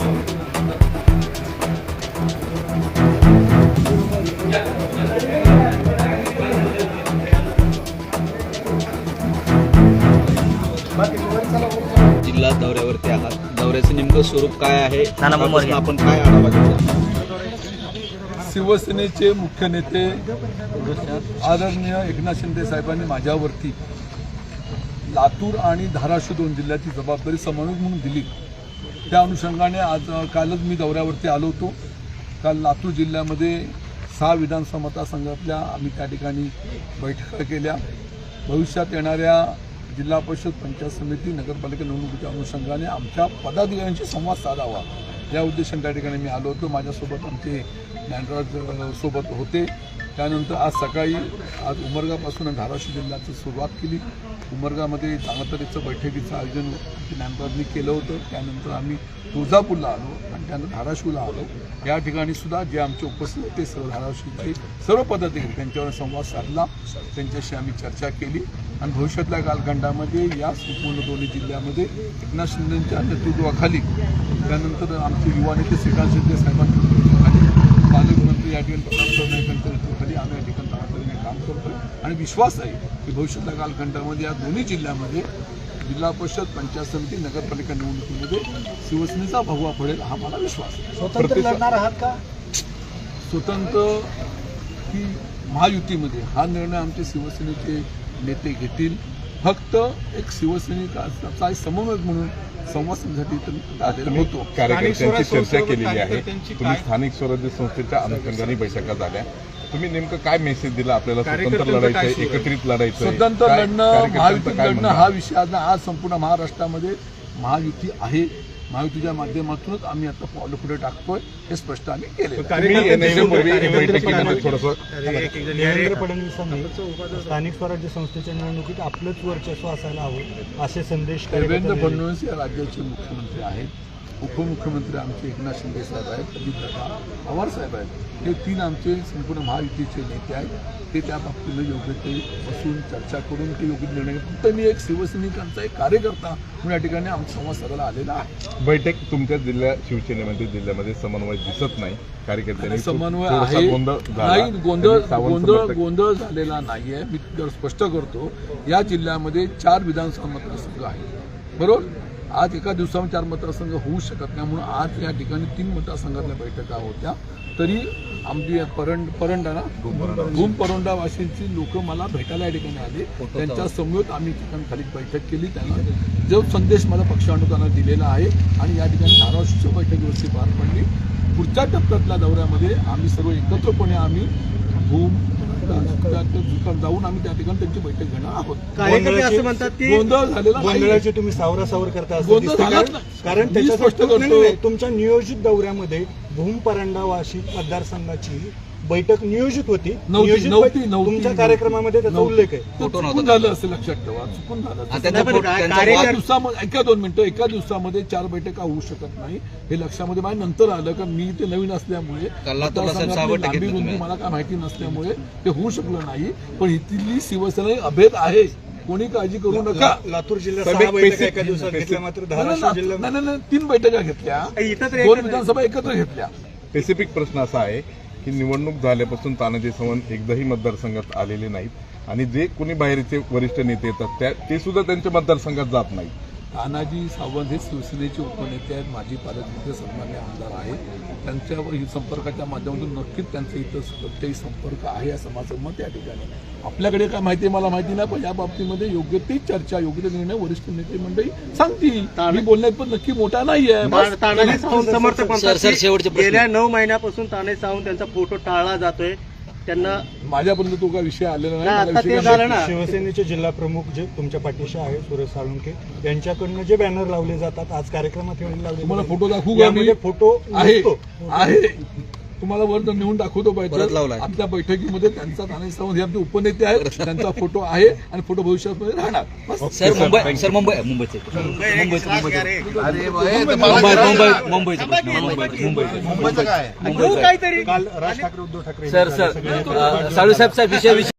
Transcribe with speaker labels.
Speaker 1: जिल्हा दौऱ्यावरती आहात, दौऱ्याचं नेमकं स्वरूप काय आहे, आपण काय आढावा घेतला?
Speaker 2: शिवसेनेचे मुख्य नेते आदरणीय एकनाथ शिंदे साहेबांनी माझ्यावरती लातूर आणि धाराशिव दोन जिल्ह्याची जबाबदारी समन्वयक म्हणून दिली. त्या अनुषंगाने कालच मी दौऱ्यावरती आलो होतो. काल लातूर जिल्ह्यामध्ये 6 विधानसभा मतदारसंघातल्या आम्ही त्या ठिकाणी बैठका केल्या. भविष्यात येणाऱ्या जिल्हा परिषद, पंचायत समिती, नगरपालिका निवडणुकीच्या अनुषंगाने आमच्या पदाधिकाऱ्यांशी संवाद साधावा या उद्देशाने त्या ठिकाणी मी आलो होतो. माझ्यासोबत आमचे ज्ञानराज सोबत होते. त्यानंतर आज सकाळी उमरगापासून धाराशिव जिल्ह्याची सुरुवात केली. उमरगामध्ये चांगल्या तऱ्हेचं बैठकीचं आयोजन ज्ञानराजनी केलं होतं. त्यानंतर आम्ही तुळजापूरला आलो आणि त्यानंतर धाराशिवला आलो. या ठिकाणी सुद्धा जे आमचे उपस्थित होते सर्व धाराशिवचे सर्व पदाधिकारी त्यांच्यावर संवाद साधला, त्यांच्याशी आम्ही चर्चा केली आणि भविष्यातल्या कालखंडामध्ये या संपूर्ण दोन्ही जिल्ह्यामध्ये एकनाथ शिंदेंच्या नेतृत्वाखाली, त्यानंतर आमचे युवा नेते श्रीकांत शिंदे साहेबांच्या आणि पालकमंत्री या ठिकाणी प्रताप नाईकांच्या नेतृत्वाखाली आम्ही या ठिकाणी तातडीने काम करतोय आणि विश्वास आहे की भविष्यातल्या कालखंडामध्ये या दोन्ही जिल्ह्यामध्ये जिल्हा परिषद, पंचायत समिती, नगरपालिका निवडणुकीमध्ये शिवसेनेचा भगवा पडेल हा मला विश्वास आहे.
Speaker 3: स्वतंत्र लढणार आहात का?
Speaker 2: स्वतंत्र की महायुतीमध्ये हा निर्णय आमचे शिवसेनेचे नेते घेतील. फक्त एक शिवसैनिकाचा समन्वयक म्हणून संवाद साधण्यासाठी आलेला होतो.
Speaker 4: कार्यकर्त्यांची चर्चा केलेली आहे. तुम्ही स्थानिक स्वराज्य संस्थेच्या अनुषंगाने बैठका झाल्या. तुम्ही नेमकं काय मेसेज दिला? आपल्याला स्वतंत्र लढायचं, एकत्रित लढायचं,
Speaker 2: स्वतंत्र लढणं, महायुतीत लढणं हा विषय आज संपूर्ण महाराष्ट्रामध्ये महायुती आहे. महायुतीच्या माध्यमातूनच आम्ही आता पावलं पुढे टाकतोय हे स्पष्ट आम्ही केले.
Speaker 3: देवेंद्र फडणवीसांनी स्थानिक स्वराज्य संस्थेच्या निवडणुकीत आपलंच वर्चस्व असायला हवं असे संदेश
Speaker 2: देवेंद्र फडणवीस या राज्याचे मुख्यमंत्री आहेत. उपमुख्यमंत्री आमचे एकनाथ शिंदे साहेब आहेत, अजितदादा पवार साहेब आहेत. हे 3 आमचे संपूर्ण महायुतीचे नेते आहेत. ते त्या बाबतीनं योग्य ते बसून चर्चा करून ते योग्य निर्णय. फक्त मी एक शिवसैनिकांचा एक कार्यकर्ता म्हणून या ठिकाणी आमचा संवाद साधायला आलेला आहे.
Speaker 4: बैठक तुमच्या शिवसेनेमध्ये जिल्ह्यामध्ये समन्वय दिसत नाही. कार्यकर्त्यांनी
Speaker 2: समन्वय आहे नाही, गोंधळ झालेला नाहीये. मी स्पष्ट करतो, या जिल्ह्यामध्ये 4 विधानसभा मतदारसंघ आहेत, बरोबर. आज एका दिवसामध्ये 4 मतदारसंघ होऊ शकत नाही म्हणून आज या ठिकाणी 3 मतदारसंघातल्या बैठका होत्या. तरी आमची भूम परोंडा वाशींची लोक मला भेटायला या ठिकाणी आले. त्यांच्या समवेत आम्ही ठिकाणी खाली बैठक केली. त्यांना जो संदेश मला पक्षानुताना दिलेला आहे आणि या ठिकाणी धाराशिवच्या बैठकीवरती पार पडली. पुढच्या टप्प्यातल्या दौऱ्यामध्ये आम्ही सर्व एकत्रपणे आम्ही भूम जाऊन आम्ही त्या ठिकाणी त्यांची बैठक घेणार आहोत.
Speaker 3: कार्यकर्ते असं म्हणतात की गोंधळ झालेला, गोंधळाची तुम्ही सावरासावर करता कारण त्याच्या स्पष्ट करतो तुमच्या नियोजित दौऱ्यामध्ये भूम परांडा वाशी मतदारसंघाची बैठक नियोजित होती. तुमच्या कार्यक्रमामध्ये त्याचा उल्लेख आहे.
Speaker 2: चुकून झालं असेल, लक्षात ठेवा, चुकून झालं. एका दिवसामध्ये 4 बैठका होऊ शकत नाही हे लक्षामध्ये माझ्या नंतर आलं. कारण मी ते नवीन असल्यामुळे लांबी रुंदी मला काय माहिती नसल्यामुळे ते होऊ शकलं नाही. पण इथली शिवसेना अभेद आहे, कोणी काळजी करू नका.
Speaker 3: लातूर जिल्ह्यात 6 बैठका एका दिवसात घेतल्या, मात्र धाराशिव जिल्ह्यात
Speaker 2: नाही 3 बैठका घेतल्या, 2 विधानसभा एकत्र घेतल्या.
Speaker 4: स्पेसिफिक प्रश्न असा आहे की निवडणूक झाल्यापासून तानाजी सावंत एकदाही मतदारसंघात आलेले नाहीत आणि जे कोणी बाहेरचे वरिष्ठ नेते येतात ते सुद्धा त्यांच्या मतदारसंघात जात नाही.
Speaker 2: तानाजी सावंत हे शिवसेनेचे उपनेते आहेत, माजी पालकमंत्री सन्मान्य आमदार आहेत. त्यांच्यावर संपर्काच्या माध्यमातून नक्कीच त्यांचा इथं कोणताही संपर्क आहे असं माझं मत या ठिकाणी. आपल्याकडे काय माहिती आहे मला माहिती नाही, पण या बाबतीमध्ये योग्य ती चर्चा, योग्य ते निर्णय वरिष्ठ नेते मंडळी सांगतील. मी बोलण्यात पण नक्की मोठा नाही आहे.
Speaker 3: तानाजी सावंत समर्थक गेल्या 9 महिन्यापासून तानाजी सावंत त्यांचा फोटो टाळला जातोय. त्यांना
Speaker 2: माझ्यापर्यंत तो काय विषय आलेला नाही.
Speaker 3: शिवसेनेचे जिल्हा प्रमुख जे तुमच्या पाठीशी आहे सुरेश साळुंखे यांच्याकडनं जे बॅनर लावले जातात आज कार्यक्रमात लावले,
Speaker 2: तुम्हाला फोटो दाखवू का? मी
Speaker 3: फोटो
Speaker 2: आहे तुम्हाला वर नेऊन दाखवतो पाहिजे. आमच्या बैठकीमध्ये त्यांचा तानाजी सावंत हे आमचे उपनेते आहेत, त्यांचा फोटो आहे आणि फोटो भविष्यामध्ये राहणार.
Speaker 3: काल राज ठाकरे, उद्धव ठाकरे
Speaker 1: सर साळू साहेब विषय